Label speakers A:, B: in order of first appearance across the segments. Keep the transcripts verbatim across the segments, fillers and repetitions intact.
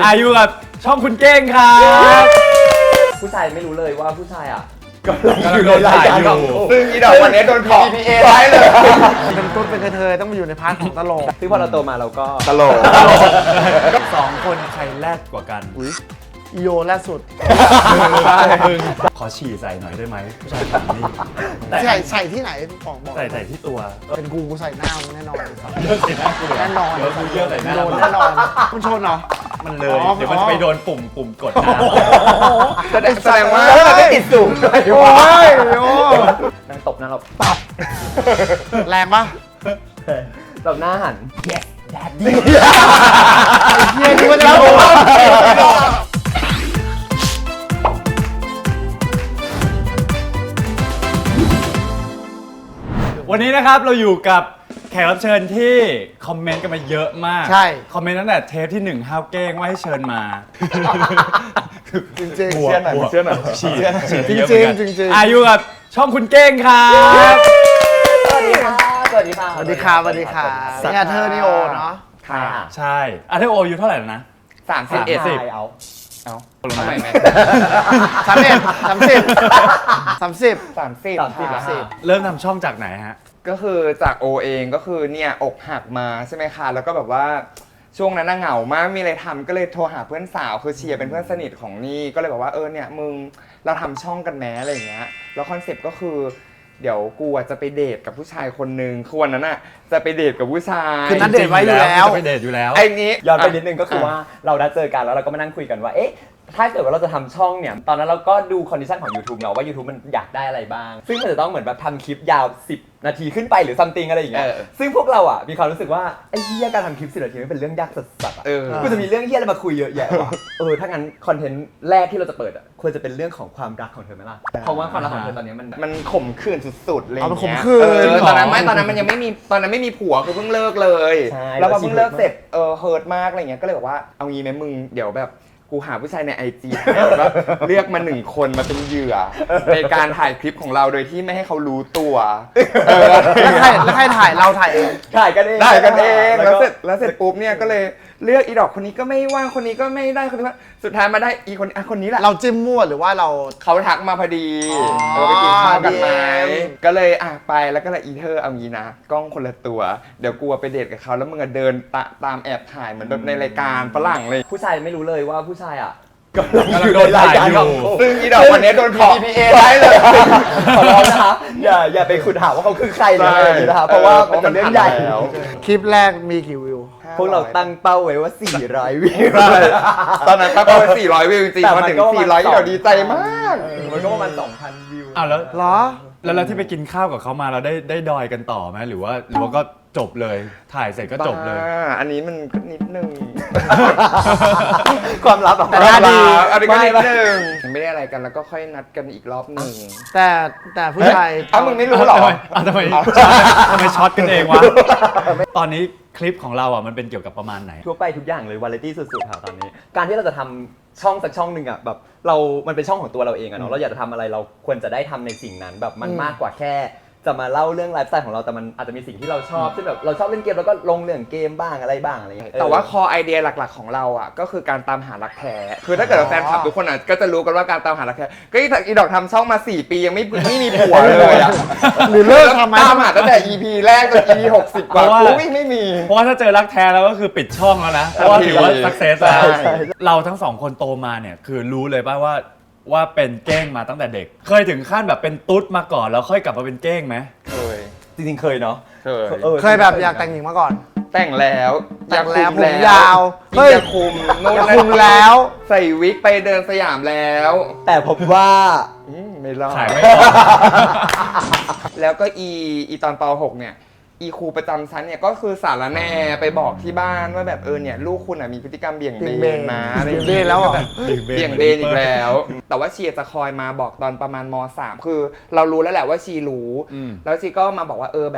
A: อายุกับช่องคุณเก้งครับ
B: ผู้ชายไม่รู้เลยว่าผู้ชายอ่ะ
A: กำลังโดนถ่ายอยู่
C: ซึ่งอีดอกวันนี้โดนขอ พี พี เอ ไว้เลย
D: เป็นต้นเป็นกระเทยต้องมาอยู่ในพาร์ทของตลก
B: ซึ่งพอเราโตมาเราก็
C: ตลก
A: สองคนใครแรกกว่ากัน
D: อีโยแรกสุด
A: มึงขอฉี่ใส่หน่อยได้ไหมผู้ชายคนนี้
D: ใส่ใส่ที่ไหนบอกบอก
A: ใส่ใส่ที่ตัว
D: เป็นกูกูใส่หน้ามึงแน่นอนเลยครับ
A: เยอะสินะกู
D: แน่นอน
A: เดี๋ยวกูเยอะใส่หน้า
D: โดนแน่นอนคุณชนเหรอ
A: มันเลย
D: อ๋อ
A: เดี๋ยวมันจะไปโดนปุ่มปุ่มกดน้
C: แสดงแสดงว่า
B: แล้วเราไม่ติดสูงด้วย
D: โอ้ยโอ้ย
B: นั่งตบนะเราปับ
D: แรงปะ
B: เราหน้าหัน yes daddy
D: เฮียกูจะโดน
A: ำวันนี้นะครับเราอยู่กับแขกรับเชิญที่คอมเมนต์กันมาเยอะมาก
D: ใช่
A: คอมเมนต์ตั้งแต่เทปที่หนึ่งห้าวเก้งว่าให้เชิญมา
D: จริงจริง
A: หัว
C: เชื่อหน่อย
A: หัว
C: เชื่อหน่อย
A: ฉีดฉีด
D: จริง
A: เยอะ
D: จริง
A: เหมือนกัน
D: จริงจริง
A: อายุกับช่องคุณเก้งครับ
B: สวัสดีค่ะสวัสดีค่ะ
D: สวัสดีค่ะสวัสดีค่ะเนี่ยเธอนี่โอเนาะ
B: ค่ะ
A: ใช่อาเทโออายุเท่าไหร่แล้วนะ
C: สามสิบเอ็ด
A: สิบ
B: เอา
C: เอาทำไมแม่
D: สามสิบสามสิบสามสิบ
C: สามสิบ
B: สามสิบ
C: ค่ะ
B: สิบ
A: เริ่มทำช่องจากไหนฮะ
C: ก็คือจากโอเองก็คือเนี่ยอกหักมาใช่ไหมคะ แล้วก็แบบว่าช่วงนั้นน่ะเหงามากไม่มีอะไรทำก็เลยโทรหาเพื่อนสาวคือเชียร์เป็นเพื่อนสนิทของนี่ก็เลยบอกว่าเออเนี่ยมึงเราทำช่องกันแม้อะไรอย่างเงี้ยแล้วคอนเซ็ปต์ก็คือเดี๋ยวกูอ่ะจะไปเดทกับผู้ชายคนนึงคือวันนั้นอ่ะจะไปเดทกับผู้ชาย
D: คือนัดเดทไว้อยู่แล้ว
A: จะไปเดทอยู่แล้ว
C: ไอ้นี้
B: ย้อนไปนิดนึงก็คือว่าเราได้เจอกันแล้วเราก็มานั่งคุยกันว่าเอ๊ะถ้าเกิดว่าเราจะทำช่องเนี่ยตอนนั้นเราก็ดูคอนดิชันของ YouTube เนาะว่า YouTube มันอยากได้อะไรบ้าง ซึ่งมันจะต้องเหมือนแบบทำคลิปยาวสิบนาทีขึ้นไปหรือซัมติงอะไรอย่างเงี้ย
C: เออ
B: ซึ่งพวกเราอ่ะมีความรู้สึกว่าไอ้เหี้ยการทำคลิปสิบนาทีมันเป็นเรื่องยากสัสๆอ่ะ
C: เออ
B: กูจะมีเรื่องเหี้ยอะไรมาคุยเยอะแยะว่ะเออถ้างั้นคอนเทนต์แรกที่เราจะเปิดอ่ะควรจะเป็นเรื่องของความรักของเธอไหมล่ะเพราะว่าความรักของเธอตอนนี้มัน
C: มันข่มขืนสุดๆเลย
D: เอาไปข่มขืน
C: เออตอนนั้นไม่ตอนนั้นมันยังไม่มีตอนนั้นไม่มีผัวคือเพิ่งเลิกเลย
B: ใช่
C: แล้วพอเพิ่งเลิกเสร็จเออเฮิร์ตมากอะไรเงี้ยก็เลยบอกว่าเอางี้ไหมมึงเดี๋ยวแบบกูหาผู้ชายในไอจีแล้วเลือกมาหนึ่งคนมาเป็นเหยื่อในการถ่ายคลิปของเราโดยที่ไม่ให้เขารู้ตัวเออ
D: แล้วใครแล้วใครถ่ายเราถ่ายเอง
B: ถ่ายกันเอง
C: ได้กันเอง
B: แล้
C: แล้ว ว
B: ก็
C: เสร็จแล้วเสร็จปุ๊บเนี่ยก็เลยเลือกอีดอกคนนี้ก็ไม่ว่างคนนี้ก็ไม่ได้คนนี้ว่าสุดท้ายมาได้อีคนอ่ะคนนี้แหละ
D: เราจิ้มมั่วหรือว่าเรา
C: เขาทักมาพอดี
D: อ๋อ
C: เออไปกินข้าวกันไหม
D: ดีเอ็ม
C: ก็เลยอ่ะไปแล้วก็เลยอีเธอเอางี้นะกล้องคนละตัว เดี๋ยวกูไปเดทกับเขาแล้วมึงอะเดินตะตามแอบถ่ายเหมือนแบบในรายการฝรั่งเลย
B: ผู้ชายไม่รู้เลยว่าผู้ชายอ่ะ
A: กำลังโดนถ่ายอยู่
C: ซึ่งอีดอกวันนี้โดนขอ
B: พี พี เอ ไว้เลย ขอร้องนะคะอย่าอย่าไปขุดหาว่าเขาคือใครเลยอะไรอย่างนี้นะคะเพราะว่ามันเป็นเรื่องใหญ่
C: แล้ว
D: คลิปแรกมีกี่วิว
B: พวกเราตั้งเป้าไว้ว่าสี่ร้อยวิว
C: ใช่ตอนนั้นตั้งเป้าไว้สี่ร้อยวิวจริง
B: แต่
C: ๆ
B: มั
C: มาน ถึง
B: ก็ประมาณ
C: สี่ร้อย
B: สอง
C: เดี๋ยวดีใจมาก
B: มันก็ประมาณสองพันวิว
A: อ้าวแล้ว
D: เหรอ
A: แล้วแล้วที่ไปกินข้าวกับเขามาเราได้ได้ดอยกันต่อไหมหรือว่าหรือว่าก็จบเลย ถ่ายเสร็จก็จบเลย
C: บ้าอันนี้มันก็นิดนึง
B: ความลับอะ
D: แต่หน้าดี
C: อันนี้ก็นิด
B: ไม่
C: นึงไม่ได้อะไรกันแล้วก็ค่อยนัดกันอีกรอบหนึ่ง
D: แต่แต่ผู้ชาย
C: เอ้ามึงไม่รู้เหรอ
A: อ้าวทำไมทำไมช็อตกันเองวะ ตอนนี้คลิปของเราอ่ะมันเป็นเกี่ยวกับประมาณไหน
B: ทั่วไปทุกอย่างเลยวาไรตี้สุดๆค่ะตอนนี้ การที่เราจะทำช่องสักช่องหนึ่งอะแบบเรา มันเป็นช่องของตัวเราเองอะเนาะเราอยากจะทำอะไรเราควรจะได้ทำในสิ่งนั้นแบบมันมากกว่าแค่จะมาเล่าเรื่องไลฟ์สไตล์ของเราแต่มันอาจจะมีสิ่งที่เราชอบเช่นแบบเราชอบเล่นเกมแล้วก็ลงเรื่องเกมบ้างอะไรบ้างอะไรอย่างเงี้ย
C: แต่ว่าคอไอเดียหลักๆของเราอ่ะก็คือการตามหารักแท้คือถ้าเกิดว่าแฟนคลับทุกคนอ่ะก็จะรู้กันว่าการตามหารักแท้ก็อีอีดอกทำช่องมาสี่ปียังไม่ไม่มีผัวเลยอ่ะ
D: หรือเลิกทำไหม
C: ตามหาตั้งแต่ อี พี แรกจน อี พี หกสิบกว่า
A: เพราะว่า
C: อุ้ยไม่มี
A: เพราะว่าถ้าเจอรักแท้แล้วก็คือปิดช่องแล้วนะ เพราะว่าถือว่าสักเซสแล้ว
C: ใช่
A: เราทั้งสองคนโตมาเนี่ยคือรู้เลยป่ะว่าว่าเป็นเก้งมาตั้งแต่เด็ก เคยถึงขั้นแบบเป็นตุ๊ดมาก่อนแล้วค่อยกลับมาเป็นเก้งไหม
C: เคย
B: จริงๆเคยเนาะ
C: เคย
B: ออ
D: เคยแบบอยากแต่งหญิงมาก่อน
C: แต่งแล้ว
D: แต่งแล้ว
C: คุ
D: ผมยาวเฮ้
C: เฮ้
D: ย
C: ยคุมนู่น
D: อยาก
C: นั่น
D: คุมแล้ว
C: ใส่วิกไปเดินสยามแล้ว
B: แต่ผมว่า
C: อืมไม่รอด
A: ขายไม่ออก
C: แล้วก็อีอีตอนป หก เนี่ยอีครูประจำชั้นเนี่ยก็คือสารแหน่ไปบอกที่บ้านว่าแบบเออเนี่ยลูกคุณอ่ะมีพฤติกรรมเบี่ยงเบ
D: เบี่ยงเบ
C: น
D: น
C: นะอะไรอย่าง
D: เบี่ยงเบนแล้วเหรอ
C: ก็บบเบี่ยงเบนอีกแล้ว แต่ว่าเชียร์จะคอยมาบอกตอนประมาณม สาม คือเรารู้แล้วแหละว่าชีรู้
A: อืม
C: แล้วชีก็มาบอกว่าเออแบบ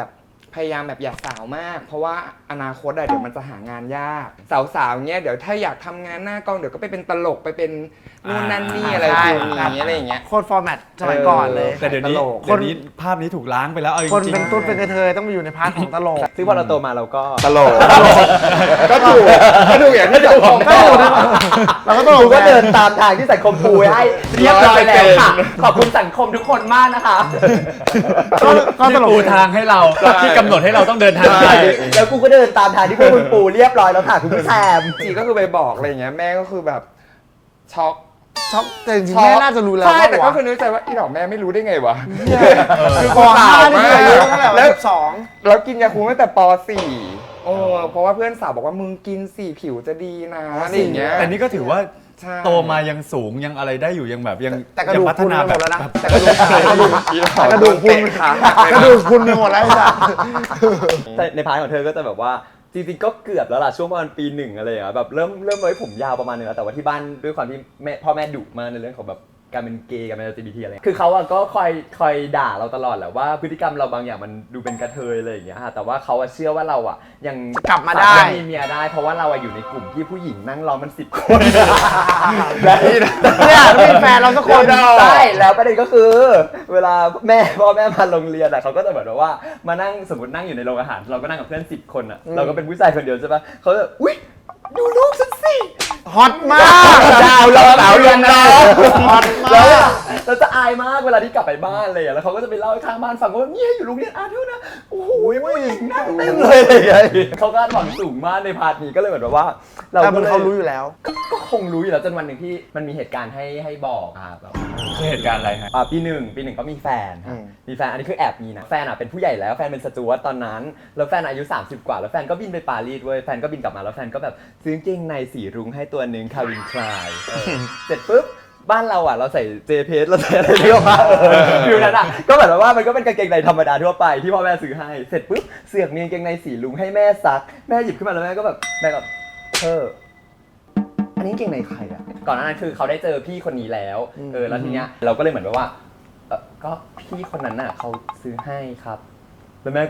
C: พยายามแบบอย่าสาวมาก เพราะว่าอนาคตอะเดี๋ยวมันจะหางานยากสาวๆเงี้ยเดี๋ยวถ้าอยากทำงานหน้ากล้องเดี๋ยวก็ไปเป็นตลกไปเป็นนู่นนั่นนี่อะไร
D: ใช่
C: ฟิลนี้อะไรอย่างเงี้ย
D: โคตรฟอร์แมตสมัยก่อนเลย
A: แต่เดี๋ยวนี้
C: ตลก
A: เดี๋ยวนี้ภาพนี้ถูกล้างไปแล้วเอาจริงๆ
D: คนเป็นตุ๊ดเป็นกระเทยต้องมาอยู่ในพาร์ทของตลก
B: ซึ่งพอเราโตมาเราก็
C: ตลกก็ถูกก็ถูกอย่างที่สังคม
D: ก็ถูกนะเราก็ตล
B: กู
D: ก
B: ก็
D: ไง
B: เดินตามทางที่สังคมปูไว้ให้เรียบร้อยแล้วค่ะ ขอบคุณสังคมทุกคนมากนะคะ
D: ก็ก็ตลก
A: ปูทางให้เราที่กำหนดให้เราต้องเดินทางไป
B: แล้วกูก็เดินตามทางที่พวกคุณปูเรียบร้อยแล้วค่ะคุณผู้ชม
C: จีก็คือไปบอกอะไรอย่างเงี้ยแม่ก็คือแบบช็อก
D: ช็อกแต่จริงๆแม่น่าจะรู้แล้ว
C: ใช่
D: ว่า
C: แต่ก็คือนึกใจว่าอีดอกแม่ไม่รู้ได้ไงวะ
D: คือ
C: กู
D: ก่อนหน้า
C: สาว
D: นี่
C: มาก
D: เคยรู้ตั้งแต่
C: แล้
D: แล้ว วสอง
C: แล้วกินยาคูลตั้งแต่ป .สี่ โอ้เพราะว่าเพื่อนสาวบอกว่ามึงกินสี่ผิวจะดีนะอะไรอย่างเงี้ย
A: แต่นี่ก็ถือว่า
C: ใช่
A: โตมายังสูงยังอะไรได้อยู่ยังแบบยัง
D: แต่กระดูก
A: ยังพัฒ
D: คุณ
A: นา
D: ไปห
A: แบ
D: ม
A: บ
D: ดแล้วนะแต่กระดูกแต่กระดูก
C: อีดอก
D: แต่กระดูกคุณ
C: เตะขาหักเลย
D: กระ
C: นะ
D: ดูกคุณไปหมดแล้วจ้ะ
B: แต่ในพาร์ทของเธอก็จะแบบว่าจริงๆก็เกือบแล้วล่ะช่วงประมาณปีหนึ่งอะไรอย่างเงี้ยแบบเริ่มเริ่มไว้ผมยาวประมาณนึงแล้วแต่ว่าที่บ้านด้วยความที่แม่พ่อแม่ดุมากในเรื่องของแบบการเป็นเกย์การเป็น แอล จี บี ที อะไรคือเขาอะก็คอยคอยด่าเราตลอดแหละว่าพฤติกรรมเราบางอย่างมันดูเป็นกระเทยอะไรอย่างเงี้ยฮะแต่ว่าเขาอะเชื่อว่าเราอะยัง
D: กลับมาได้
B: สรถมีเมียได้ เพราะว่าเราอะอยู่ในกลุ่มที่ผู้หญิงนั่งรอมันสิบคนและ
D: เนี่ยไม่มีแฟนเราสักคน
B: ใช่แล้วประเด็นก็คือ เวลาแม่พ่อแม่มาโรงเรียนอะเขาก็จะแบบว่ามานั่งสมมตินั่งอยู่ในโรงอาหารเราก็นั่งกับเพื่อนสิบคนอะเราก็เป็นผู้ชายคนเดียวใช่ปะเขาจะอุ๊ยดูลูกฉันสิ
D: ฮอตมาก
B: ดาวเราสาวเรือนดาว
D: ฮอตมา
B: แล้ว
D: ก
B: อะเราจะอายมากเวลาที่กลับไปบ้านเลยอะแล้วเขาก็จะไปเล่าให้ข้างบ้านฟังว่าเนี่ยอยู่โรงเรียนอาร์ทิวนะโอ้โหผู้หญิงนั่งเต็มเลยอะไรอย่างเงี้ยเขาก็หวังสูงมากในพาร์ทนี้ก็เลยเหมือนแบบว่า เรา
D: แต่
B: ก็
D: มัน
B: เลย
D: เขารู้อยู่แล้ว
B: ก็ก็คงรู้อยู่แล้วจนวันหนึ่งที่มันมีเหตุการณ์ให้ให้บอกอะแบบ
A: คือเหตุการณ์อะไรฮะ
B: อ่าปีหนึ่งปีหนึ่งก็มีแฟนครับ
D: อืม
B: มีแฟนอันนี้คือแอบมีนะแฟนอ่ะเป็นผู้ใหญ่แล้วแฟนเป็นสจวตตอนนั้นแล้วแฟนอายุสามสิบกว่าแล้วแฟนก็บินไปปารีสเว้ยแฟนก็บินกลับมาแล้วแฟนก็แบบซื้อกางเกงในสีรุ้งให้ตัวหนึ่งคาวินคลายเออเสร็จปุ๊บบ้านเราอ่ะเราใส่เจเพสเราใส่อะไรเรียกว่าฟิวนั้นอ่ะก็เหมือนว่ามันก็เป็นกางเกงในธรรมดาทั่วไปที่พ่อแม่ซื้อให้เสร็จปุ๊บเสือกมีกางเกงในสีรุ้งให้แม่ซักแม่หยิบขึ้นมาแล้วแม่ก็แบบแม่ก็เธออันนี้กางเกงในใครอ่ะก่อนหน้านั้นคือเขาได้เจอพี่คนนี้แล้วเออแล้วทีเนี้ยเราก็เลยเหมือนแบบว่า เออก็พี่คนนั้นน่ะเขาซื้อให้ครับ แล้วแม่ก็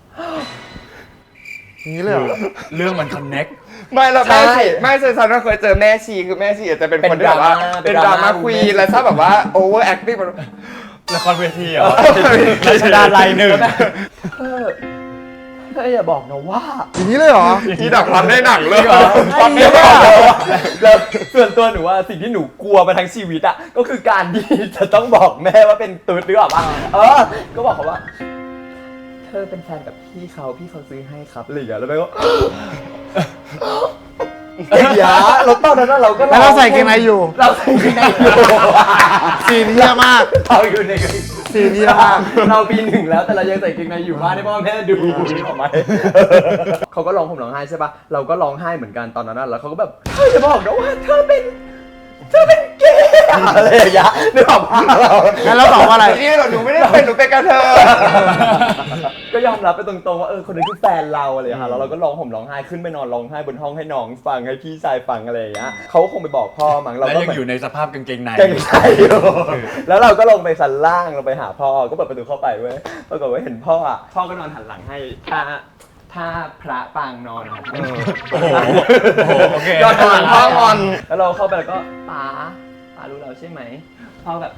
D: อย่างนี้เลยเหรอ
A: เรื่องมันคอนเน็ก
C: ไม่เราแม่
B: ใช่
C: ชีไม่ใช่ฉันก็เคยเจอแม่ชีคือแม่ชีอาจจะเป็นคนที่แบบว่า
B: เป็
C: เป็น
B: น
C: ด
B: ด
C: รา
B: ราม่า
C: ม่าควีนแล้วชอบแบบว่าโอเวอร์แอคติ้ง
A: ละครเวทีเหรอรัชดาลัยหนึ่ง
B: เออเธออย่าบอกนะว่า
D: อย่างนี้เลยเหรอ
C: อีดอกรับได้หนังเลย
B: ความไม่บอกแล้วส่วนตัวหนูว่าสิ่งที่หนูกลัวมาทั้งชีวิตอ่ะก็คือการที่จะต้องบอกแม่ว่าเป็นตุ๊ดหรือเปล่าเออ ก็บอกเขาว่า เธอเป็นแฟนกับพี่เขาพี่เขาซื้อให้ครับอะไรอย่างเงี้ยแล้วแม่ก็ ไอ้ยาเราตอนนั้นเราก็
D: แล้วเราใส่เกงในอยู่
B: เราใส่เกงในอยู่
D: ซีนเฮียมาก
B: เราอยู่ใน
D: ซีนเฮียมาก
B: เราปีหนึ่งแล้วแต่เรายังใส่เกงในอยู่บ้านให้พ่อแม่ดูนี่ออกไหมเขาก็ร้องผมร้องไห้ใช่ปะเราก็ร้องไห้เหมือนกันตอนนั้นนะแล้วเขาก็แบบเธอจะบอกนะว่าเธอเป็นเธอเป็นเกย์อะไรอย่างเงี้ยนึกออกปะเรา
D: งั้นเราตอบว่าอะไร
C: นี่หรอหนูไม่ได้เป็นหนูเป็นกระเทย
B: ก็ยอมรับไปตรงๆว่าเออคนนี้คือแฟนเราอะไรอย่างเงี้ยแล้วเราก็ร้องผมร้องไห้ขึ้นไปนอนร้องไห้บนห้องให้น้องฟังให้พี่ชายฟังอะไรอย่างเงี้ยเขาคงไปบอกพ่อมั้งเรา
A: แล้ว
B: ก็
A: ยัง
B: เหมือน
A: อยู่ในสภาพกางเกงใน
B: เก่งใจอยู่แล้วเราก็ลงไปชั้นล่างลงไปหาพ่อ ก็เปิดประตูเข้าไปเว้ยปรากฏว่าเห็นพ่ออ่ะ พ่อก็นอนหันหลังให้ท่าท่าพระปางนอนอะ
A: โอ้โหโอ้โหโอเค
B: ยอดหลังพ่องอน แล้วเราเข้าไปแล้วก็ป๋าป๋ารู้เราใช่ไหม พ่อแบบ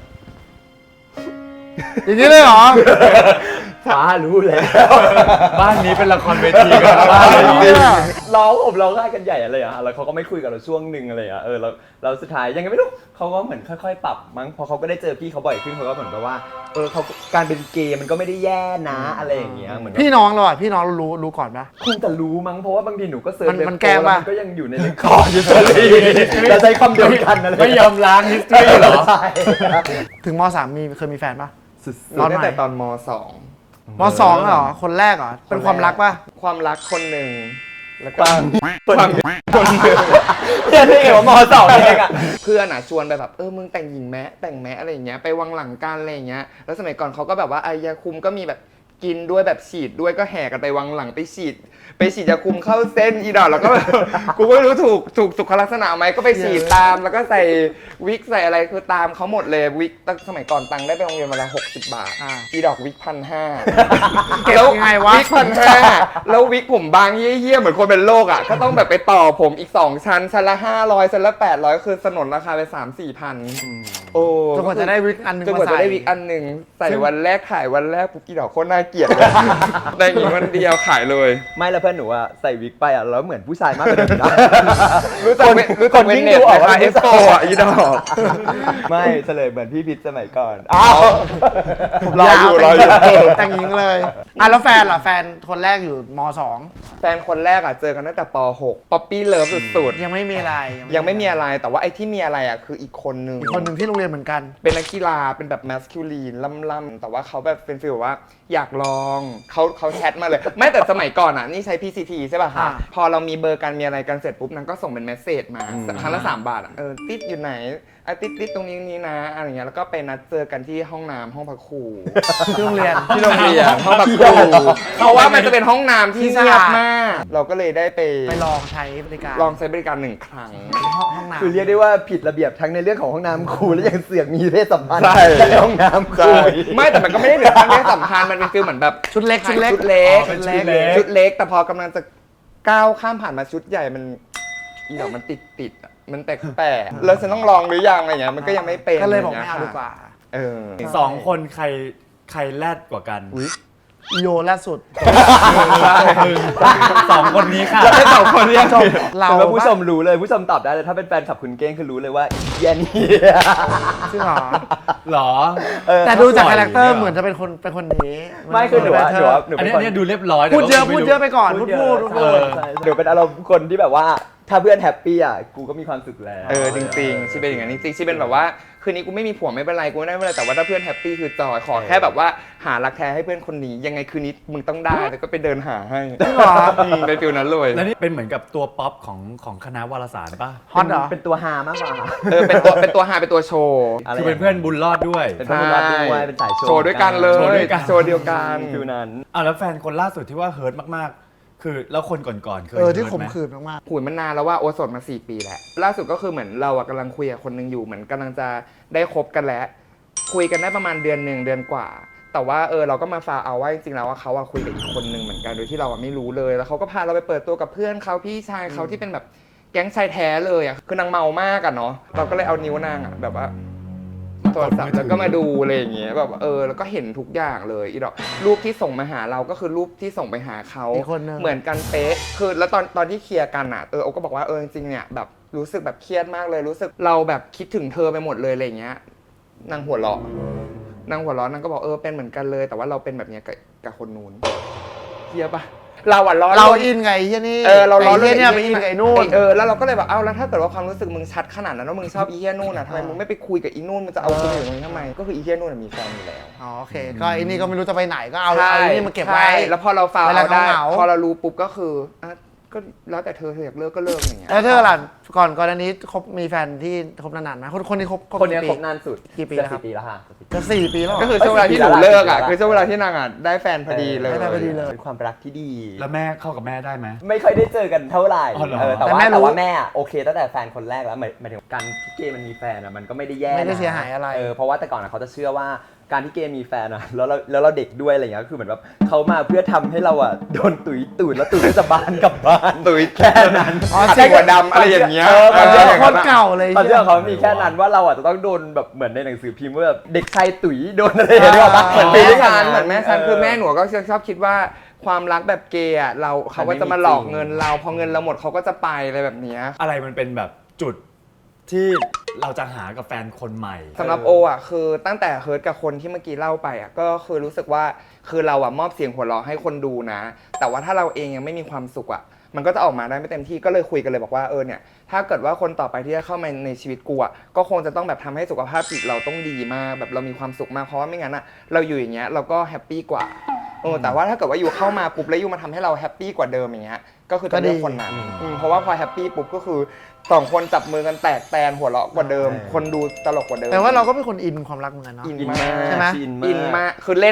D: อย่างนี้เลยเหรอ
B: ป๋ารู้แล้ว
A: บ้านนี้เป็นละครเวทีกันบ้านเลย
D: เนี่ย
B: ร้องผมร้องไห้กันใหญ่อะไรอะแล้วเขาก็ไม่คุยกับเราช่วงหนึ่งอะไรอะเออแล้วเราสุดท้ายยังไงไม่รู้เขาก็เหมือนค่อยๆ ปรับมั้งพอเขาก็ได้เจอพี่เขาบ่อยขึ้นเขาก็เหมือนกับว่าเออเขาการเป็นเกย์มันก็ไม่ได้แย่นะอะไรอย่างเงี้ยเหมือน
D: พี่น้องเราอ่ะพี่น้องเรารู้รู้ก่อนปะ
B: คงจะรู้มั้งเพราะว่าบางทีหนูก็เซิร์ช
D: มัน
B: เว็บ
D: มันแกล้ง
B: โป๊
D: ปะ
B: มันก็ยังอยู่ในเรคคอร์ดอยู่ตอนนี้เราใช้คำเดียวกันอะไร
A: ไม่ยอมล้าง history เหรอ
B: ใช่
D: ถึงมสามมีเคยมีแฟนปะ
B: สุด
C: หนูตั้งแต่ตอนมสอง
D: มสองเหรอ คนแรกเหรอ เป็นความรักปะ
C: ความรักคนหนึ่งแล้วก็
B: ปัง
C: ความ
B: คนเดียวเพื่อนที่เกี่ยวกับมสองเองอะ
C: เพื่อนอ่ะชวนไปแบบเออมึงแต่งหญิงแม้แต่งแม้อะไรอย่างเงี้ยไปวังหลังกันอะไรอย่างเงี้ยแล้วสมัยก่อนเขาก็แบบว่าไอยาคุมก็มีแบบกินด้วยแบบฉีดด้วยก็แห่กันไปวังหลังไปฉีด ไปฉีดยาคุมเข้าเส้นอีดอกแล้วก็แบบ กูก็ไม่รู้ถูกถูกสุขลักษณะไหมก็ไปฉีดตามแล้วก็ใส่วิกใส่อะไรคือตามเขาหมดเลยวิกตั้งสมัยก่อนตังค์ได้ไปโรงเรียนวันละหกสิบบาท
D: อ่า
C: อีดอกวิกพันห้า
D: เก็บยังไงวะ
C: วิกพันห้าแล้ววิกผมบางเยี่ยๆเหมือนคนเป็นโรคอ่ะก็ต้องแบบไปต่อผมอีกสองชั้นชั้นละห้าร้อยชั้นละแปดร้อยคือสนนราคาไปสามสี่พันโอ้
D: จนกว่าจะได้วิกอันหนึง
C: จนกว่า
D: มา
C: จะ
D: ใส่
C: ได้วิกอันหนึ่งใส่วันแรกขายวันแรกปุ๊บอีดอกโคตรน่าเกลียดเลยได้อีกวันเดียวขายเลย
B: ไม่แล้วเพื่อนหนูอะใส่วิกไปอะแล้วเหมือนผู้ชายมากกว่าเดิมนะ
C: รู้จักเว้นรู้จักเวนเน็ตไหมคะเอสโปอ่ะอีดอก
B: ไม่เฉลยเหมือนพี่พิษสมัยก่อนอ้าว
C: รออยู่รออยู่
D: แต่งหญิงเลยอ่ะแล้วแฟนล่ะแฟนคนแรกอยู่มสอง
C: แฟนคนแรกอ่ะเจอกันตั้งแต่ป หกป๊อปปี้เลิฟสุด
D: ยังไม่มีอะไร
C: ๆยังไม่มีอะไรแต่ว่าไอ้ที่มีอะไรอ่ะคืออีกคนนึง
D: อีกคนหนึ่งที่โรงเรียนเหมือนกัน
C: เป็นนักกีฬาเป็นแบบแมสคิวลีนล่ำๆแต่ว่าเขาแบบเป็นฟีลว่าอยากลองเขาเขาแชทมาเลย ไม่แต่สมัยก่อนอ่ะนี่ใช้ พี ซี ที ใช่ป่ะคะ
D: อ่า
C: พอเรามีเบอร์กันมีอะไรกันเสร็จปุ๊บนางก็ส่งเป็นเมสเซจมาครั้งละสามบาทอะเออติดอยู่ไหนอ่ะติดติดตรงนี้นี้นะอะไรเงี้ยแล้วก็ไปนัดเจอกันที่ห้องน้ำห้องพักครู
D: ที่โรงเรียน
C: ที่โรงเรียนห้องพักครูเพราะว่ามันจะเป็นห้องน้ำที่
D: ที่สะ
C: เงีย
D: อา
C: บ
D: ด
C: มาก เราก็เลยได้ไป
D: ไปลองใช้บริการ
C: ลองใช้บริการหนึ่งครั้ง
D: ห้องห้องน้ำ
B: คือเรียกได้ว่าผิดระเบียบทั้งในเรื่องของห้องน้ำครูและยังเสือกมีเพศสัมพันธ์
C: ใช่
B: ในห้องน้ำครู
C: ใช่ไม่แต่มันก็ไม่ได้ถึงขั้นไม่สำคัญมันเป็นฟีลเหมือนแบบ
D: ชุดเล็กชุดเล็ก
C: ชุดเล็ก
D: ชุดเล็ก
C: ชุดเล็กแต่พอกำลังจะก้าวข้ามผ่านมาชุดใหญ่มันอีดอกมันติดติดๆอะมันแปลกๆแล้วฉันต้องลองหรือยังอะไรเงี้ยมันก็ยังไม่เป็น
D: ก็เลยบอกไม่
C: ะ
D: เอา
C: ร
D: ดี
C: งี้ย
D: กว่า
C: เออ
A: สองคนใครใครแรดกว่ากัน
D: อีโยล่าสุด
A: สองคนนี้ค่ะ
C: แล้วให้สองคนเรียก
D: เรา
B: คือว่าผู้ชมรู้เลยผู้ชมตอบได้เลยถ้าเป็นแฟนขับคุณเก้งคือรู้เลยว่าเหี้ยนี่
D: จริงเหรอ
A: หรอ
B: เออ
D: แต่ดูจากคาแรคเตอร์เหมือนจะเป็นคนเป็นคนนี้
B: ไม่คือหนูว่าหนูว่าหนู
A: อัน
B: เป็
A: นี้
B: น
A: อั
B: คน
A: นนี้ดูเรียบร้อย
D: พูดเยอะ
A: แต่ว่า
D: พูด
A: ไม่รู้
D: เยอะไปก่อนพูดพูดพูด
B: เอ
D: พู
B: อ
D: ด
B: ใช่หนูเป็นอารมณ์คนที่แบบว่าถ้าเพื่อนแฮปปี้อ่ะกูก็มีความสุขแล้ว
C: เออจริงๆชีเป็นอย่างนั้นจริงๆชีเป็นแบบว่าคืนนี้กูไม่มีผัวไม่เป็นไรกูไม่ได้ไม่เป็นไรแต่ว่าถ้าเพื่อนแฮปปี้คือจอยขอแค่แบบว่าหารักแท้ให้เพื่อนคนนี้ยังไงคืนนี้มึงต้องได้แล้วก็ไปเดินหาให้
D: จริงเหรอ
C: อืมเป็นฟิลนั้นเลย
A: แล้วนี่เป็นเหมือนกับตัวป๊อปของของคณะวารสารป่ะ
D: ฮอตเหรอ
B: เป็นตัวฮามากกว่า
C: เออเป็นตัวเป็นตัวหาเป็นตัวโชว์
B: ะไร
A: คือเป็นเพื่อนบุญรอดด้วย
B: เป็นเพื่อนรักด้วยเป็นสายโชว์
C: โชว์ด้วยกันเลย
A: โชว์ด้วยกัน
C: โชว์เดียวกัน
B: ฟิวนั้น
A: อ่ะแล้วแฟนคนล่าสุดที่ว่าเฮิร์ตมากๆ คือแล้วคนก่อนๆเคย
D: เออที่
A: ฮิร์ต
D: ข่ม
A: ไห
D: ขืนมาก
C: คุยมันนานแล้วว่าโอโสดมาสี่ปีแล้วล่าสุดก็คือเหมือนเราอะกำลังคุยกับคนหนึงอยู่เหมือนกำลังจะได้คบกันแล้ว คุยกันได้ประมาณเดือนหนึ่งเดือนกว่า แต่ว่าเออเราก็มาฟาเอาว่าจริงๆแล้วว่าเขาอะคุยกับอีกคนหนึ่งเหมือนกันโดยที่เราอะไม่รู้เลยแล้วเขาก็พาเราไปเปิดตัวกับเพื่อนเขาพี่ชายเขาที่เป็นแบบแก๊งชายแท้เลยอะคือนางเมามากอะเนาะเราก็เลยเอานิ้วนางอะแบบว่าโทรศัพท์แล้วก็มาดูอะไรอย่างเงี้ยแบบเออแล้วก็เห็นทุกอย่างเลยอีดอกรูปที่ส่งมาหาเราก็คือรูปที่ส่งไปหาเขา
D: อีกคนนึง
C: เหมือนกันเป๊ะคือแล้วตอนตอนที่เคลียร์กันอะเออโอก็บอกว่าเออจริงๆเนี่ยแบบรู้สึกแบบเครียดมากเลยรู้สึกเราแบบคิดถึงเธอไปหมดเลยอะไรอย่างเงี้ยนางหัวเราะนางหัวเราะนางก็บอกเออเป็นเหมือนกันเลย แต่ว่าเราเป็นแบบเนี้ยกับกับคนนู้นเคลียร์ปะเราอะล้อ
D: ๆ เรา
C: ล่น
D: อินไงเฮียนี่
C: เออเราล้อ
D: ไอ้เฮียเนี่ยไปอินกับไอ้นู่น
C: เออแล้วเราก็เลยแบบเอ้าแล้วถ้าเกิดว่าความรู้สึกมึงชัดขนาดนั้นว่ามึงชอบอีเฮียนู่นอะทำไมมึงไม่ไปคุยกับอีนู่นมึงจะเอากูอยู่ตรงนี้ทำไมก็คืออีเฮียนู่นอะมีแฟนอยู่แล้ว
D: อ๋อโอเคก็ไอ้นี่ก็ไม่รู้จะไปไหนก็เอา
C: ใช่
D: เอาไอ้นี่มาเก็บไว้
C: ใช่แล้วพอเราฟาว
D: เวลา
C: เอาได้
D: เหงาๆ
C: พอเรารู้ปุ๊บก็คืออ่ะก็แล้วแต่เธอเธออยากเลิกก็เลิกอย่างเงี้ย
D: แล้วเธอล่ะก่อนก่อนอันนี้คบมีแฟนที่คบนานๆไหมคนคนนี้คบ
B: คนเนี้ย
D: กี่
B: ค
D: ปี
B: บนานสุด
D: กี่ปี
B: จะ
D: แล้วครับ
B: สี่ปีแล้วค่ะ
D: จะสี่ปีแล้วเหร
C: ก็
D: อ
C: คือช่วงเวลาที่หนูเลิกอ่ะคือช่วงเวลาที่นางอ่ะได้แฟนพอดีเลย
D: ได้แฟนพอดีเลย
B: เป็นความรักที่ดี
A: แล้วแม่เข้ากับแม่ได้ไหม
B: ไม่ค่อยได้เจอกันเท่าไหร่
A: อ๋อเหรอ
B: เออแต่
D: แต่
B: ว่า
D: แม่รู้
B: แต่ว่าแม่อะโอเคตั้งแต่แฟนคนแรกแล้วหมายหมายถึงการที่เกย์มันมีแฟนอะมันก็ไม่ได้แย่
D: ไม่ได้
B: นะ
D: เสียหายอะไร
B: เออเพราะว่าแต่ก่อนอะเขาจะเชื่อว่าการที่เกย์มีแฟนอะแล้วเราแล้วเราเด็กด้วยอะไรเงี้ยก็คือเหมือนแบบเขามาเพื่อทำให้เราอะโดนตุ๋ยตุ๋ยแล้วตุ๋ยก็จะบานกลับบ้าน
C: ตุ๋ย
B: แค่นั้น
D: อ๋อ
C: สีหัวดำอะไรอย่างเงี้ย
B: เออมัน
C: เอ
B: เรื่
C: อ
B: อง
D: โคตรเก่าเลย
B: ตอนเรื่องเขามีแค่นั้นว่าเราอะจะต้องโดนแบบเหมือนในหนังสือพิมพ์ว่าแบบเด็กชายตุ๋ยโดนอะไรอย่างเงี้ย
D: อ่า
B: เหมือน
C: แม่
B: เป็น
C: ฉัน
B: ย่าง
C: เหมือนแม่ฉันคือแม่หนูก็ชอบคิดว่าความรักแบบเกย์อ่ะเราเขาก็จะมาหลอกเงินเราพอเงินเราหมดเขาก็จะไปอะไรแบบเนี้ย
A: อะไรมันเป็นแบบจุดที่เราจะหากับแฟนคนใหม่
C: สำหรับโออ่ะคือตั้งแต่เฮิร์ตกับคนที่เมื่อกี้เล่าไปอ่ะก็คือรู้สึกว่าคือเราอ่ะมอบเสียงหัวเราะให้คนดูนะ แต่ว่าถ้าเราเองยังไม่มีความสุขอ่ะมันก็จะออกมาได้ไม่เต็มที่ก็เลยคุยกันเลยบอกว่าเออเนี่ยถ้าเกิดว่าคนต่อไปที่จะเข้ามาในชีวิตกูอ่ะก็คงจะต้องแบบทำให้สุขภาพจิตเราต้องดีมากแบบเรามีความสุขมากเพราะว่าไม่งั้นอ่ะเราอยู่อย่างเงี้ยเราก็แฮปปี้กว่าเออแต่ว่าถ้าเกิดว่าอยู่เข้ามาปุ๊บแล้วอยู่มาทำให้เราแฮปปี้กว่าเดิมอย่างเงี้ยก็คือจะเลือกคนนั้นอืมเพราะว่าพอแฮปปี้ปุ๊บก็คือสองคนจับมือกันแตกแตนหัวเราะกว่าเดิม คนดูตลกกว่าเดิม
D: แต่ว่าเราก็เป็นคนอินความรักเหมือนกันเนาะ
C: อิน
B: อิน
C: มาม
B: าก ก
D: ใช่ไหม
B: อิน
C: อิน
B: มาก
C: มากคือเล่น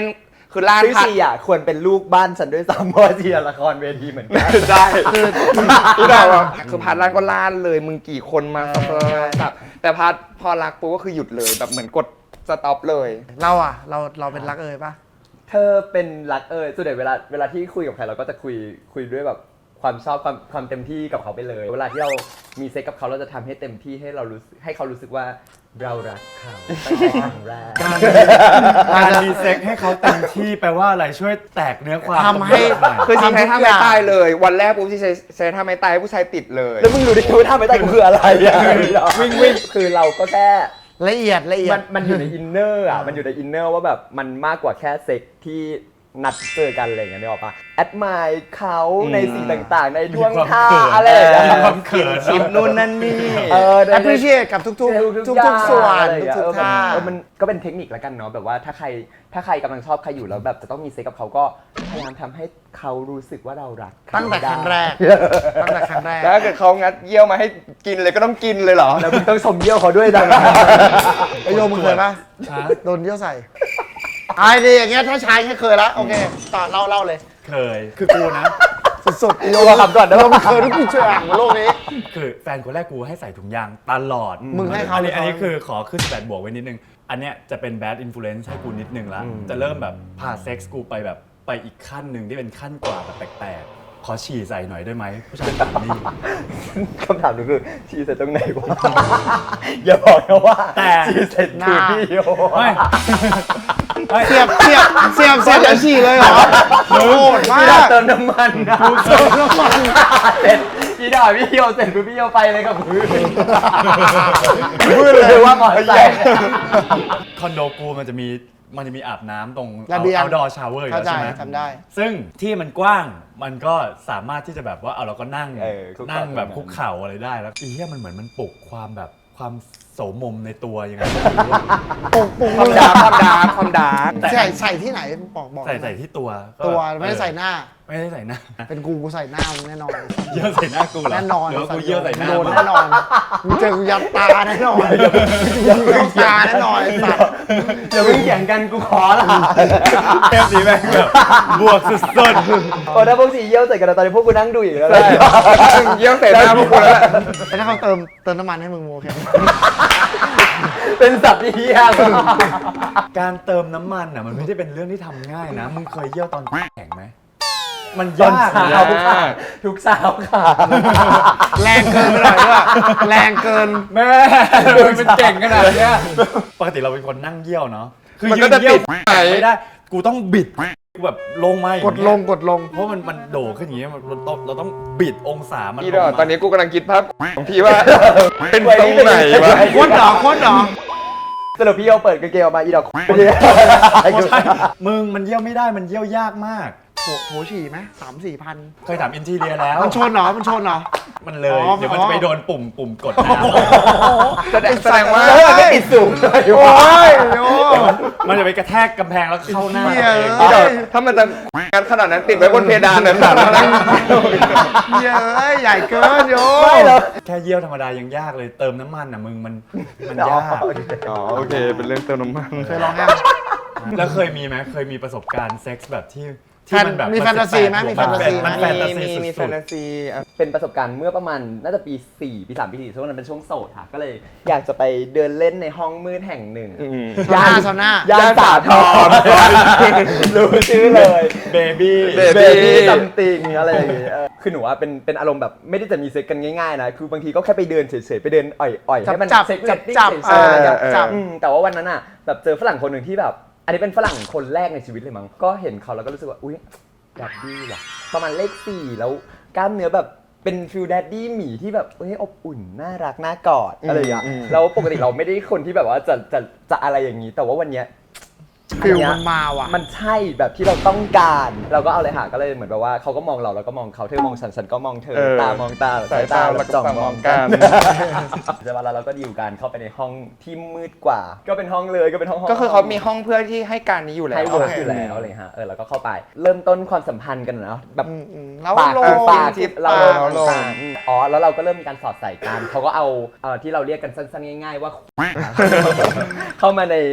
C: คือล่าน
B: ซึ่ง
C: พัด
B: ชีอ่ะควรเป็นลูกบ้านฉันด้วยซ้ำเพราะว่าชีอะละครเวทีเหมือนกัน
C: ใช่คือคือแบบว่าคือพาร์ทล่านก็ล่านเลยมึงกี่คนมาสับแต่พาร์ทพอรักปุ๊บก็คือหยุดเลยแบบเหมือนกดสต็อปเลย
D: เราอ่ะเราเราเป็นรักเอ่ยปะ
B: เธอเป็นรักเอยส่วนใหญ่เวลาเวลาที่คุยกับใครเราก็จะคุยคุยด้วยแบบความชอบความความเต็มที่กับเขาไปเลย เวลาที่เรามีเซ็กกับเขาเราจะทำให้เต็มที่ให้เรารู้สึกให้เขารู้สึกว่าเรารักเขาตั้งแต่ครั้งแรก
A: การการมีเซ็กให้เขาเต็มที่แปลว่าอะไรช่วยแตกเนื้อความ
D: ทำให้
A: หน่อย
C: คือชีใช้ท่า
D: ทำทุกอ
C: ไม่
D: ย่าง
C: ตายเลย วันแรกปุ๊บชีใช้ใช้ท่าไม่ตายให้ผู้ชายติดเลย
B: แล้วมึงรู้ได้ไงว่าท่าไม่ได้กูคืออะไรอ่ะวิ่งวิ่งคือเราก็แค่
D: ละเอียดละเอีย
B: มั
D: ด
B: นมันอยู่ในอินเนอร์อ่ะมันอยู่ในอินเนอร์ว่าแบบมันมากกว่าแค่เซ็กที่นัดเจอกันอะไรอย่างเงี้ยนึกออกปะแอดมายเขาในสิ่งต่างๆ ในท่วงท่าอะไรอย่างเงี้ย
A: มีความเขิน
C: ชิปนู่นนั่นนี่
B: เออใน
D: appreciate กับทุกๆ ทุกๆส่วน
B: อะไรอย่างเงี้ย
D: ทุกๆท่า
B: เออมันก็เป็นเทคนิคแล้วกันเนาะแบบว่าถ้าใครถ้าใครกำลังชอบใครอยู่แล้วแบบจะต้องมีเซ็กกับเขาก็พยายามทำให้เขารู้สึกว่าเรารักเขา
D: ตั้งแต่ครั้งแรก ตั้งแต่ครั้งแรก
C: แล้วถ้าเกิดเขางัดเยี่ยวมาให้กินเลยก็ต้องกินเลยเหรอ
B: แล้วมึงต้องชมเยี่ยวเขาด้วยนะ
D: ไอโยมมึงเคยปะ
A: ฮะ
D: โดนเยี่ยวใส่ไอ้ดีอย่างเงี้ยถ้าชายแค่เคยละโอเคต่อเล่าเล่าเลย
A: เคยคือกูนะ
D: สุดๆไอโย
B: โยมขับก่อนนะ
D: โยมเคยทุกช่วยอ่างบนโลกนี้
A: คือแฟนคนแรกกูให้ใส่ถุงยางตลอด
D: มึงให้เขา
A: อันนี้
D: หรือเขา
A: อันนี้คือขอขึ้นแปดบวกไว้นิดนึง อันเนี้ยจะเป็น bad influence ให้กูนิดนึงละจะเริ่มแบบพาเซ็กส์กูไปแบบไปอีกขั้นหนึ่งที่เป็นขั้นกว่าแบบแปลกๆ ขอฉี่ใส่หน่อยได้ไหมผู้ชายคนนี้
B: คำถามหนูคือชีเสร็จตรงไหนวะ อย่าบอกนะว่า
A: แต่
B: ชีเสร็จคือพี่โย
A: ไม่ไม่
D: เสียบเสียบเสียบเสียบแล้วฉี่เลยเหรอโหดมา
B: พี่ดอก
D: ก
B: เติมน้ำมันนะเติมน้ำมันเสร็จพี่ดอกพี่โยเสร็จคือพี่โยไปเลยกับพื้น
D: มืดเลย
B: ว่าหมอใส่
A: คอนโดกูมันจะมีมันจะมีอาบน้ำตรง
D: ระเบียง
A: เอาดอชาวเวอร์อยู่
D: เข้า
A: แล้ว
D: ใจ
A: ใช่ไหม
D: ทำได้
A: ซึ่งที่มันกว้างมันก็สามารถที่จะแบบว่าเอาเราก็นั่ง
B: เออคุกเข่า
A: นั่งแบบ
B: ตรงนั้น
A: คุกเข่าอะไรได้แล้วอีเหี้ยมันเหมือนมันปลุกความแบบความโสมมในตัวยังไง
D: ปุ่งปุ่ง
C: ความ
D: มือ
C: ดาร์กความดาร์กความดาร์ก
D: ใส่ใส่ที่ไหนบอกบอก
A: ใส่ใส่ที่ตัวก็
D: ตัวไม่ได้ใส่หน้า
A: ไม่ได้ใส่หน้า
D: เป็นกูกูใส่หน้ามึงแน่นอน
A: เยี่ยวใส่หน้ากูเหรอ
D: แน่นอน
A: หรือว่ากูเยี่ยวใส่หน้า
D: โดน
A: มึง
D: แน่นอนมึงเจอกูยัดตาแน่นอนยัดตาแน่นอนไอ้สัตว์
B: เดี๋ยวมึงเถียงกันกูขอละ
A: เทปนี้แม่งแบบบวกสุด
B: โอ้ถ้าพวกสีเยี่ยวใส่กันตอนนี้พวกกูนั่งดูอยู่แล้ว
C: เยี่ยวใส่หน้าพวกกูแล้วแหละ
D: แต่ถ้าเขาเติมเติมน้ำมันให้มึงโอเค
B: เป็นสัตว์ที่เยี่ยม
A: ๆการเติมน้ำมันอ่ะมันไม่ได้เป็นเรื่องที่ทำง่ายนะมึงเคยเยี่ยวตอนแข็งไหมมัน
B: ตอน
A: ยาก
B: เช้า
A: นะ
B: ค่ะทุกเช้าค่ะ
D: แรงเกินไปหน่อยด้วยแรงเกิน
A: แม่มันเป็นเก่งขนาดเนี้ยปกติเราเป็นคนนั่งเยี่ยวเนาะคือ
C: มัน
A: ยื
C: ก็
A: น
C: จะ
A: เยี่ยว
C: ปิดไหน
A: ไม่ได้กูต้องบิดกูแบบลงมาอย่าง
D: ก
A: เงี้
D: ด
A: ย
D: ลงกดลง
A: เพราะมันมันโด่ขึ้นอย่างเงี้ยมันเราต้องเราต้องบิดองศามัน
C: อี
A: ล
C: ด
A: ง
C: อก
A: มา
C: ตอนนี้กูกำลังคิดภาพของพี่ว่า เป็นตรงไหนวะ
D: โคตรเหรอโคตรเหรอ
B: สรุปพี่โยเปิดกางเกงออกมาอีดอก
A: ไม่ใช่มึงมันเยี่ยวไม่ได้มันเยี่ยวยากมาก
D: โถโถฉี่ไหมสามสี่พัน
A: เคยถามอินทีเรียแล้ว
D: มันชนเหรอมันชนเหรอ
A: มันเลย
D: อ๋อ
A: เดี๋ยวมันจะไปโดนปุ่มปุ่มกดน้
C: แสดงแสดงว่า
B: แล้วมันก็ติดสูงเลย
D: โอ้
B: ว่ะ
D: ยโอ้
A: ำมันจะไปกระแทกกำแพงแล้วเข้าหน้า
D: เหี้ย
A: เอง
C: อีดอกถ้ามันจะงานขนาดนั้นติดไว้บนเพดานนั้นแบบนั้น
D: เย้ยใหญ่เกินโย
B: ไม่หรอก
A: แค่เยี่ยวธรรมดายังยากเลยเติมน้ำมันอ่ะมึงมันมันยาก
C: อ๋อโอเค เป็นเรื่องเติมน้ำมัน
D: เคยลองยัง
A: แล้วเคยมีไหมเคยมีประสบการณ์เซ็กส์แบบที่
D: แฟน
A: ที่มันแบบ
D: มีแฟนตาซีไหมมีแฟนตาซีไหม
A: มันแฟนตาซี
C: มีมีแฟ
A: สุ
C: น
A: ด
C: ตาซีอ่ะ
B: เป็นประสบการณ์เมื่อประมาณน่าจะปีสี่ปีสามปีสี่ช่วงนั้นเป็นช่วงโสดค่ะ ก็เลยอยากจะไปเดินเล่นในห้องมืดแห่งหนึ่ง
C: อืม
D: ซาวน่าซาวน่า
B: ย่านสาทรรู้ชื่อเลย
A: เบบี้
C: Baby
B: เบบี้ซัมติงอะไรอย่างเงี้ยเออคือหนูว่าเป็นเป็นอารมณ์แบบไม่ได้จะมีเซ็กกันง่ายๆนะ คือบางทีก็แค่ไปเดินเฉยๆ ไปเดินอ่อยๆ
D: จับ
B: ให้มัน
D: จับ
B: เซ็ก
D: จับ
B: เรตติ้ง
D: จับ
B: เฉยๆ
D: จับ
C: เออ
D: จับ
B: อืมแต่ว่าวันนั้นอ่ะแบบเจอฝรั่งคนหนึ่งที่แบบ อันนี้เป็นฝรั่งคนแรกในชีวิตเลยมั้ง ก็เห็นเขาแล้วก็รู้สึกว่าอุ๊ยดัดดี้ว่ะประมาณเลขสี่แล้วกล้ามเนื้อแบบเป็นฟิลดัดดี้หมีที่แบบเฮ้ยอบอุ่นน่ารักน่ากอดอะไรอย่างเงี้ย
C: อืม
B: แล้วปกติเราไม่ได้คนที่แบบว่าจะจะจะอะไรอย่างนี้ แต่ว่าวันเนี้ย
D: ฟิลมันมาว่ะ
B: มันใช่แบบที่เราต้องการ เราก็เอาเลยหาก็เลยเหมือนแบบว่าเขาก็มองเราแล้วก็มองเขาเธอมองฉันฉันก็มองเธอ
C: เออ
B: ตามองตา
C: สายตาแล้วก็
B: จ้อง
C: ม
B: ม
C: อ
B: อง ง
C: กั
B: กัน นใช่ป่ะแล้วเราก็ดีลกันเข้าไปในห้องที่มืดกว่า ก็เป็นห้องเลยก็เป็นห้อง
C: ก็คือเขามีห้องเพื่อที่ให้การนี้อยู่แล้ว
B: ให้เวิร์ก
D: โอเค
B: อยู่แล้วอะไรฮะเออเราก็เข้าไป เริ่มต้นความสัมพันธ์กันเนาะแบบ
D: อืมอืมแล้ว
B: ปาก
D: ล
B: คือง ปาก
C: จิ๊บ
B: เรา
C: ปาก
B: ลงปากอ๋อแล้วเราก็เริ่มมีการสอดใส่กันเขาก็เอาเอ่อที่เราเรียกกันสั้นๆง่ายๆว่า เข้ามาใน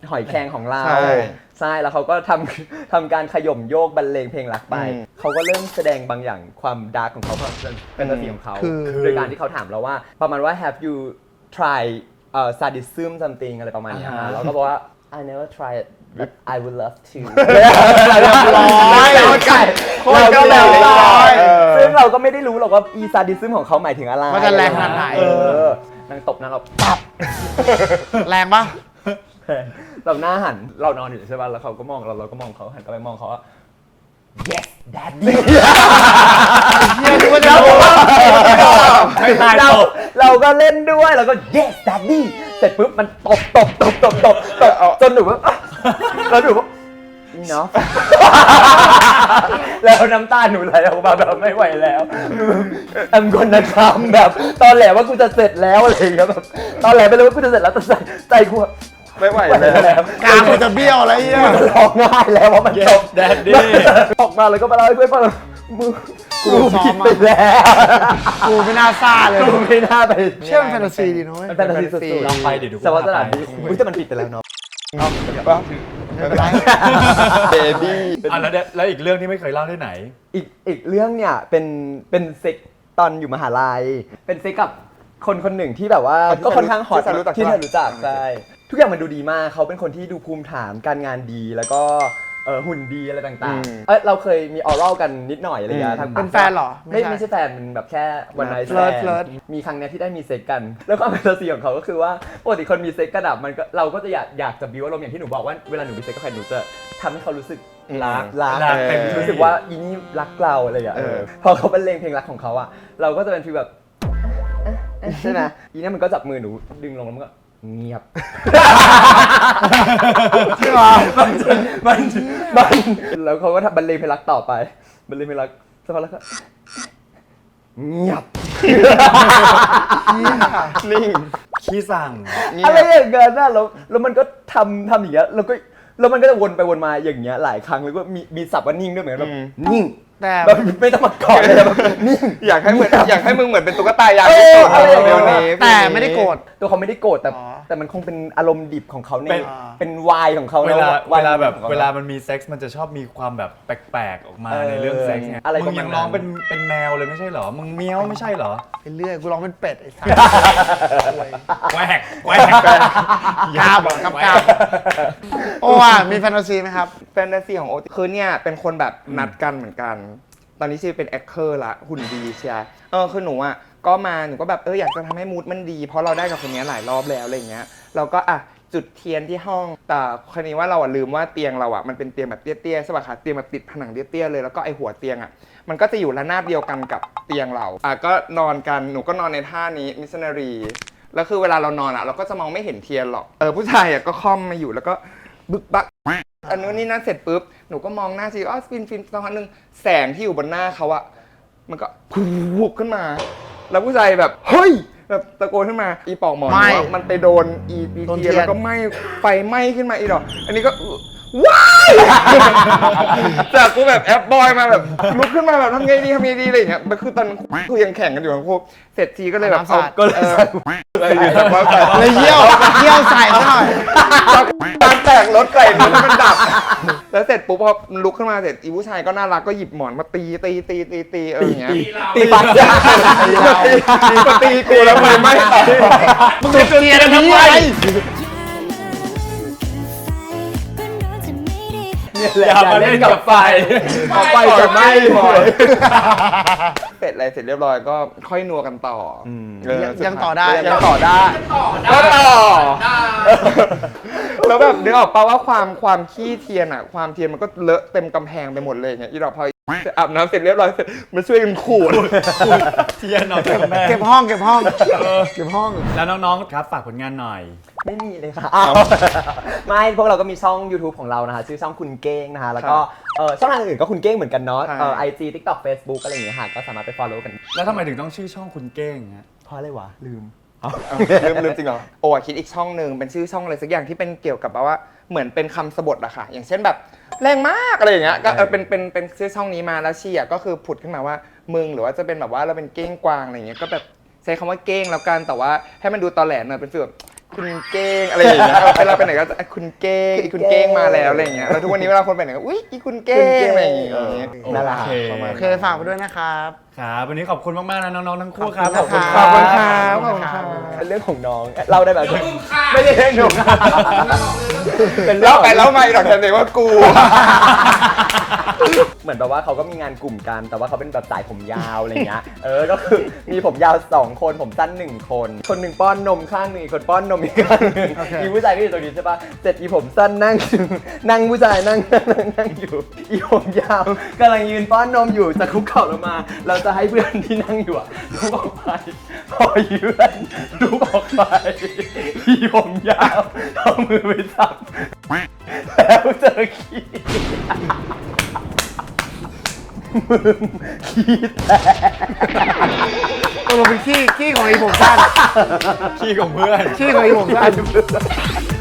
B: หอยแครงของเรา
C: ใช่
B: ใช่แล้วเขาก็ทำทำการขย่มโยกบรรเลงเพลงรักไป
C: อืม
B: เขาก็เริ่มแสดงบางอย่างความดาร์กของเขาความเป็นตัวของเขา
D: คือ
B: โดยการที่เขาถามเราว่าประมาณว่า have you try uh, sadism something อะไรประมาณเนี้ย
A: อ่าฮะ
B: เราก็บอกว่า I never tried but I would love to
D: ร้อย
B: เราก็
C: โคตรเกาหลี
B: ร้อย
C: เออ
B: ซึ่งเราก็ไม่ได้รู้หรอกว่าอีซาดิซึมของเขาหมายถึงอะไร
D: มันจะแรงขนาดไหน
B: เออนางตบนางเราปับ
D: แรงปะ
B: เราหน้าหันเรานอนอยู่ใช่ป่ะแล้วเขาก็มองเราเราก็มองเขาหันกลับไปมองเขาว่า yes daddy
D: เฮียนึกว่าจะ
B: เรา
D: โดน
A: ไม่ตาย
B: เรา
A: ตบ
B: เราก็เล่นด้วยเราก็ yes daddy เสร็จปุ๊บมันตบตบตบตบตบตบจนหนูว่าแล้วหนูว่านี่เนาะ แล้วน้ำตาหนูไหลออกมาแบบไม่ไหวแล้วแอมคนนะทำแบบตอนแหลว่ากูจะเสร็จแล้วอะไรอย่างเงี้ยแบบตอนแหลไปเลยว่ากูจะเสร็จแล้วแต่ใจใจกูอะ
C: ไม่ไหว
B: ไม่ไหว
C: แล้ว
B: แล้ว
D: กลางมันจะเบี้ยวอะไรเงี้ย
B: มันร้องไห้แล้วว่ามันจบ
A: Daddy
B: ออกมาแล้วก็มาเล่าให้เพื่อนฟังมึงกู
D: ซ้อ
B: ผิ
D: ม
B: ด
D: มา
B: ไปแล้ว
D: กูไม่น่าซ่าเลย
B: กูไม่น่าไป
D: เชื่อมนแฟนตาซีดีนะเว้ย
B: มันแฟนตาซีสุดๆ
A: ลองไปดิดู
B: แต่ว่าสถานที่อุ้ยแต่มันผิดไปแล้วเนาะ
D: ไม่เป็นไร
C: เบบี้
A: อ่ะแล้วเนี่ยแล้วอีกเรื่องที่ไม่เคยเล่าที่ไหน
B: อีกอีกเรื่องเนี่ยเป็นเป็นเซ็กตอนอยู่มหาลัย เป็นเซ็กกับคนคนหนึ่งที่แบบว่า
C: ที่
B: ก็ค่อนข้างฮอต
C: ที่ฉันรู้จัก
B: ที่เธอ
C: ปะ
B: รู้จักใช่ทุกอย่างมันดูดีมากเขาเป็นคนที่ดูภูมิฐานการงานดีแล้วก็เออหุ่นดีอะไรต่างๆเอยเราเคยมีออรัลกันนิดหน่อยอะไรอย่างเงี้ยทาง
D: เป็นแฟนเหรอ
B: ไม่ไม่ใช่แฟนมันแบบแค่วันไนท์
D: เฟลิร์ตเฟลิร์ต
B: มีครั้งเนี้ยที่ได้มีเซ็กกัน แล้วความเป็นตัวซีของเขาก็คือว่าปกติคนมีเซ็กกันอะมันก็เราก็จะอยากอยากจะบิวอารมณ์อย่างที่หนูบอกว่าเวลาหนูมีเซ็กกับใครหนูจะทำให้เขารู้สึกรักรัก
A: รักเต็มที่
B: รู้สึกว่าอีนี่รักเราอะไรอย่างเงี้ย
C: เออ
B: พอเขาบรรเลงเพลงรักของเขาอะเราก็จะเป็นฟีลแบบเอ๊ะเอ๊ะใช่ไหมอีนี่มันก็จับมือหนูดึงลงแล้วมันก็เงียบ
D: ใช่ปะ
B: มันมันมันแล้วเขาก็ทำบรรเลงเพลงรักต่อไปบรรเลงเพลงรักสักพักแล้วก็เงียบ
C: นิ่ง
A: ขี้สั่ง
C: เงีย
B: อะไร
C: บ
B: อย่างเงี้ยนะแล้วแล้วมันก็ทำทำอย่างเงี้ยแล้วก็แล้วมันก็จะวนไปวนมาอย่างเงี้ยหลายครั้งแล้วก็มีมีศัพท์ว่านิ่งด้วยเหมือนกันแบบนิ่ง
D: แต่
B: แบบไม่ต้องมากอดเลยแบบนิ่ง
C: อยากให้เหมือนอยากให้มึงเหมือนเป็นตุ๊กตายาง
B: เออ
C: ที่สุด
B: อะไรอย่างเงี้
C: เดี๋
B: ย
C: ยวนี้
D: แต่ไม่ได้โกรธ
B: ตัวเขาไม่ได้โกรธแต่
D: อ๋อ
B: แต่มันคงเป็นอารมณ์ดิบของเขาใน
A: เป็น
B: เป็นวายของเขา
A: เวลา
B: นะ
A: เวลาแบบ
B: ของข
A: เวลามันมีเซ็กซ์มันจะชอบมีความแบบแปลกๆออกมา
B: เออ
A: ในเรื่องเซ็กซ์ไง
B: อะไร
A: มึงยังร้อง
B: ประมาณนั้น
A: เป็นเป็นแมวเลยไม่ใช่เหรอ มึงเมี้ยวไม่ใช่เหรอ
D: ไปเรื่อยกูร้องเป็นเป็ดไอ้สัส
A: แหวกแหวก
D: กล้าบอกกับกล้าโอ้ว่ะมีแฟนตาซีไหมครับ
C: แฟนตาซีของโอติคือเนี่ยเป็นคนแบบนัดกันเหมือนกัน ตอนนี้ชื่อเป็นแอคเคอร์ละหุ่นดีเชียร์เออคือหนูอ่ะก็มาหนูก็แบบเอออยากจะทำให้มูดมันดี เพราะเราได้กับคนนี้หลายรอบแล้วอะไรเงี้ยเราก็อ่ะจุดเทียนที่ห้องแต่คราวนี้ว่าเราอ่ะลืมว่าเตียงเราอ่ะมันเป็นเตียงแบบเตี้ยๆใช่ป่ะคะเตียงแบบติดผนังเตี้ยๆเลยแล้วก็ไอหัวเตียงอ่ะมันก็จะอยู่ระนาบเดียวกันกับเตียงเราอ่ะก็นอนกันหนูก็นอนในท่านี้มิสซนารีแล้วคือเวลาเรานอนอ่ะเราก็จะมองไม่เห็นเทียนหรอกเออผู้ชายอ่ะก็ค่อมมาอยู่แล้วก็บึกบัก อันนู้นนี่นั่นเสร็จปุ๊บ หนูก็มองหน้าชีอ๋อฟินฟินสักพักหนึ่งแสงที่อยู่บนหน้าเขาอะมันก็พุบขึ้นมา แล้วผู้ชายแบบ เฮ้ย แบบตะโกนขึ้นมา อีปอกหมอน
D: ไหม้
C: ว่ามันไปโดนอีอี
D: โดน
C: เทียน
D: เทียน
C: แล้วก็ไหม้ไฟไหม้ขึ้นมาอีดอก อันนี้ก็ว้าย จากกูแบบแอปบอยมาแบบลุกขึ้นมาแบบทำไงดีทำไงดีอะไรอย่างเงี้ยมันคือตอนนั้นคือยังแข่งกันอยู่ทั้งคู่เสร็จทีก็เลยแบบ
D: น้ำสา
C: เอา
D: ด
C: ก็เลยอะไรอยู่แบบว่าแบบ
D: เลยเยี่ยวเยี่ยวใส่ซะหน่อย
C: การแตกรถไก่มันมันดับ แล้วเสร็จปุ๊บพอมันลุกขึ้นมาเสร็จอีผู้ชายก็น่ารักก็หยิบหมอนมาตีตีตีตีตีเอออย่างเงี้ย
B: ตีปักยา
C: มาตีกูแล้วไฟไหม้ต่อ
D: มึงจุดเทียนทำไม
B: เนี่ยแหละ
A: อย่ามาเล่นกับไฟ
B: พอไฟจะไหม้หมด
C: เสร็จอะไรเสร็จเรียบร้อยก็ค่อยนัวกันต่ออเออ
D: ยังยังต่อได้
C: ยังต่อได้ก็ต่อแล้วแบบนึกออกป่าว่าความความขี้เทียนอ่ะความเทียนมันก็เลอะเต็มกำแพงไปหมดเลยอย่างเงี้ยอีดอกพออาบน้ำเสร็จเรียบร้อยเสร็จมาช่วยกันขูด
A: เทียนออกจากแม่
D: เก็บห้องเก็บห้องเก็บห้อง
A: แล้วน้องๆครับฝากผลงานหน่อย
B: ไม่มีเลยค่ะอ้าวไม่พวกเราก็มีช่อง YouTube ของเรานะคะชื่อช่องคุณเก้งนะคะแล้วก็เออช่องทางอื่นก็คุณเก้งเหมือนกันเนาะ
C: ใช่
B: เออไอจีทิกตอกเฟซบุ๊กอะไรอย่างเงี้ยค่ะก็สามารถไป follow กัน
A: แล้วทำไมถึงต้องชื่อช่องคุณเก้งฮะ
B: เพราะอะไรวะลืม
C: ลืมลืมจริงเหรอโอ้อะคิดอีกช่องหนึ่งเป็นชื่อช่องอะไรสักอย่างที่เป็นเกี่ยวกับแบบว่าเหมือนเป็นคำสบทอะค่ะอย่างเช่นแบบแรงมากอะไรอย่างเงี้ยก็เออเป็นเป็นเป็นชื่อช่องนี้มาแล้วชีอะก็คือผุดขึ้นมาว่ามึงหรือว่าจะเป็นแบบว่าเราเป็นเก้งกวางอะไรอย่างเงี้ยก็แบบใช้คำว่าเก้งแล้วกันแต่ว่าให้มันดูตอแหลหน่อยเป็นฟีลแบบคุณเก้งอะไรอย่างเงี้ยเวลาไปไหนก็จะคุณเก้งอีคุณเก้งมาแล้วอะไรอย่างเงี้ยแล้วทุกวันนี้เวลาคนไปไหนก็อุ้ยอีคุณเก้งอะไรอย่างเงี้ย
B: น่ารัก
A: โอเค
D: โอเคฝากไปด้วยนะครับ
A: ครับวันนี้ขอบคุณมากๆนะน้องๆทั้งคู่ครับ
D: ขอบคุณ
C: ขอบคุณครับขอบคุณครับ
B: เป็นเรื่องของน้องเล่าได้แบบไม่ได้เรื่องหนูเป็นเรื่อ
C: เล่าง
B: ของ
C: ไปเล่ามาอีกหรอกแต่เด็กว่ากู
B: เหมือนแบบว่าเขาก็มีงานกลุ่มกัน แต่ว่าเขาเป็นแบบสายผมยาวอะไรเงี้ย เออ ก็คือมีผมยาวสองคน ผมสั้นหนึ่งคน คนหนึ่งป้อนนมข้างหนึ่งอีกคนป้อนนมอีกข้างหนึ่ง
D: โอเค
B: อีผู้ชายก็อยู่ตรงนี้ใช่ปะเสร็จอีผมสั้นนั่ง นั่งผู้ชายนั่งนั่งนั่งนั่งอยู่ อีผมยาวกำลังยืนป้อนนมอยู่จะคุกเข่าลงมา เราจะให้เพื่อนที่นั่งอยู่อะลุกออกไป พอยืนลุกออกไป อีผมยาวเอามือไปจับ แล้วเจอขี้ มึงขี้แตก
D: ตกลงเป็นขี้ขี้ของไอ้ผมสั้น
A: ขี้ของเพื่อน
D: ขี้ของไอ้ผมสั้น